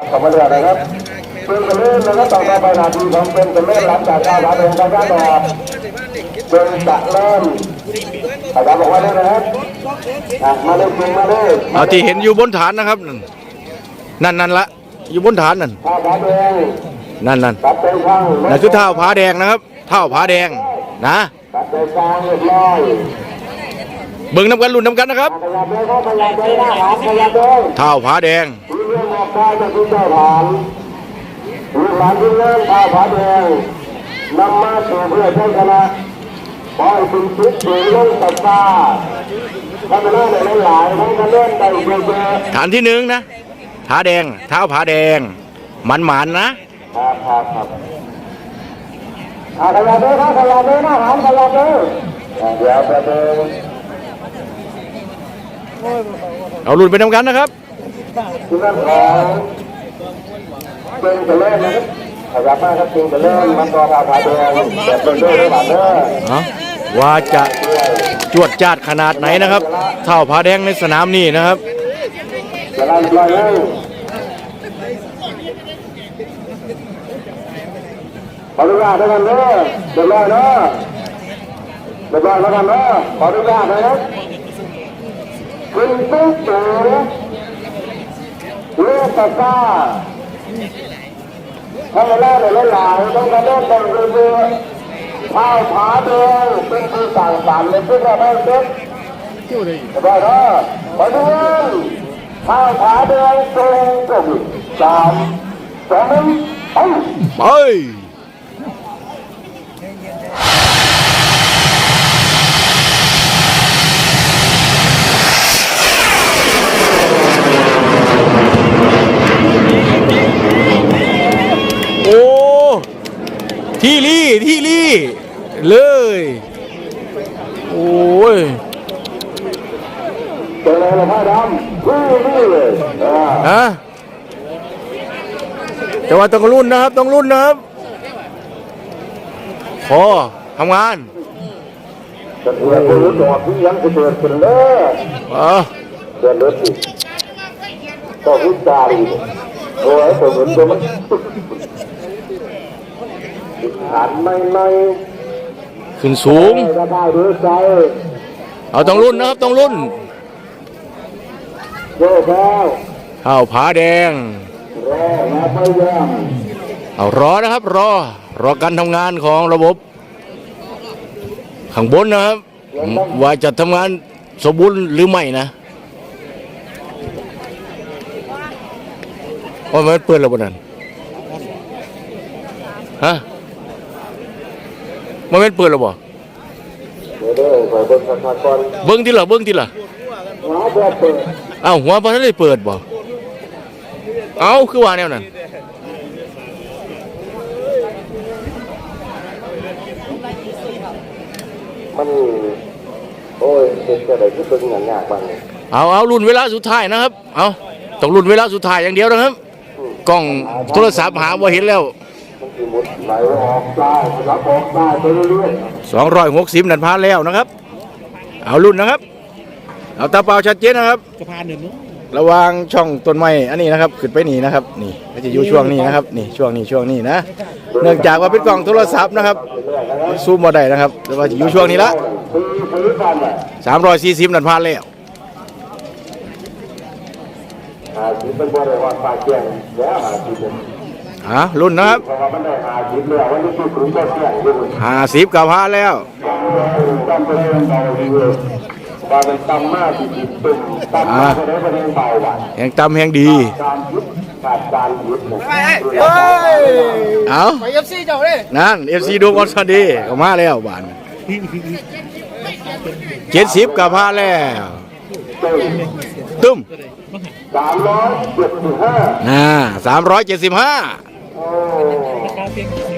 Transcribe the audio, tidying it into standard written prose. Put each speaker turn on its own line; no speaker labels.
ขอบคุณนะครับเป็นกันเล่นแล้วต่อไปนาทีของเป็นกันเล่นหลังจากการเดินการต่อเป็นจะเริ่มอาจารย์บอกว่าได้นะครับมาเล่นจริงมาเล่น
เอาที่เห็นอยู่บนฐานนะครับนั่นละอยู่บนฐานนั่นนั่นคือเท้าผาแดงนะครับเท้าผาแดงนะเบิ่งน้ำกันลุ้นน้ำกันนะครับเท้าผาแดงลูกหลานที่เล่นข้าวผาแดงนำมาสู่เพื่อใช้ชนะขอให้คุณคิดถึงเรื่องตัดตาทำได้ในหลายทั้งการเล่นได้เยอะฐานที่หนึ่งนะผาแดงเท้าผาแดงมันนะครับขยับเลยครับขยับเลยนะหางขยับเลยเดี๋ยวไปเลยเอาลุ้นไปทำกันนะครับคุณนั่นของเป็นกันเล่นนะครับขยับมากครับเป็นกันเล่นมันตัวขาวผาแดงแบบเป็นด้วยหรือเปล่าเนี่ยว่าจะจวดจ้าดขนาดไหนนะครับเท้าผาแดงในสนามนี้นะครับจะไล่ปล่อยเลยขออนุญาตด้วยกันเนอะเดี๋ยวรอเนอะเดี๋ยวรอแล้วกันเนอะขออนุญาตนะครับคุณตุ๊กตู่เลือกตาก้าทำมาแล้วในหลายต้องการเล่นแต่งเรือข้าวผาแดงเป็นผู้สั่งสรรค์ในพื้นที่บ้านเด็กเดี๋ยวรอเนอะขออนุญาตข้าวผาแดงตรงกลุ่ม3 2 1ไปโอ้ที่ลี่เลยโอ้ยเป็นอะไรล่ะผ้าดำที่เลยฮะแต่ว่าต้องรุ่นนะครับพอทำงานจะเกิดคนรู้จักที่ยังจะเกิดขึ้นเลยเกิดเลยสิก็วิจารณ์โอ้ยผมเห็นตัวมันหันไม่ขึ้นสูงเอาต้องรุ่นนะครับต้องรุ่นข้าวผาแดงเอารอนะครับรอการทำงานของระบบข้างบนนะครับว่าจะทำงานสมบูรณ์หรือไม่นะว่ามันเปิดแล้วบนนั้นฮะมันเปิดแล้วบ่เบิ้งที่ละเอ้าหัวพอท่านได้เปิดบ่เอ้าคือว่าแนวนั้นมันโอ้ยเป็นอะไรที่เป็นอย่างยากบ้างเอารุ่นเวลาสุดท้ายนะครับเอาต้องรุ่นเวลาสุดท้ายอย่างเดียวนะครับกล้องโทรศัพท์หาว่าเห็นแล้ว260นันพาแล้วนะครับเอารุ่นนะครับเอาตาเปล่าชัดเจนนะครับระวางช่องต้นไม้อันนี้นะครับขึ้นไปนี่นะครับนี่ก็จะอยู่ช่วงนี้นะครับนี่ช่วงนี้นะเนื่องจากว่าเป็นกล้องโทรศัพท์นะครับซูมมาได้นะครับแต่ว่าจะอยู่ช่วงนี้ละ340นันพาแล้วรุ่นนะครับ50กับพาแล้วแห่งตำแห่งดีเอาไปFCเจ้าเลยนั่น FC ดูบอลสวัสดีก็มาแล้วบ้าน70กับพาแล้วตึ้ม375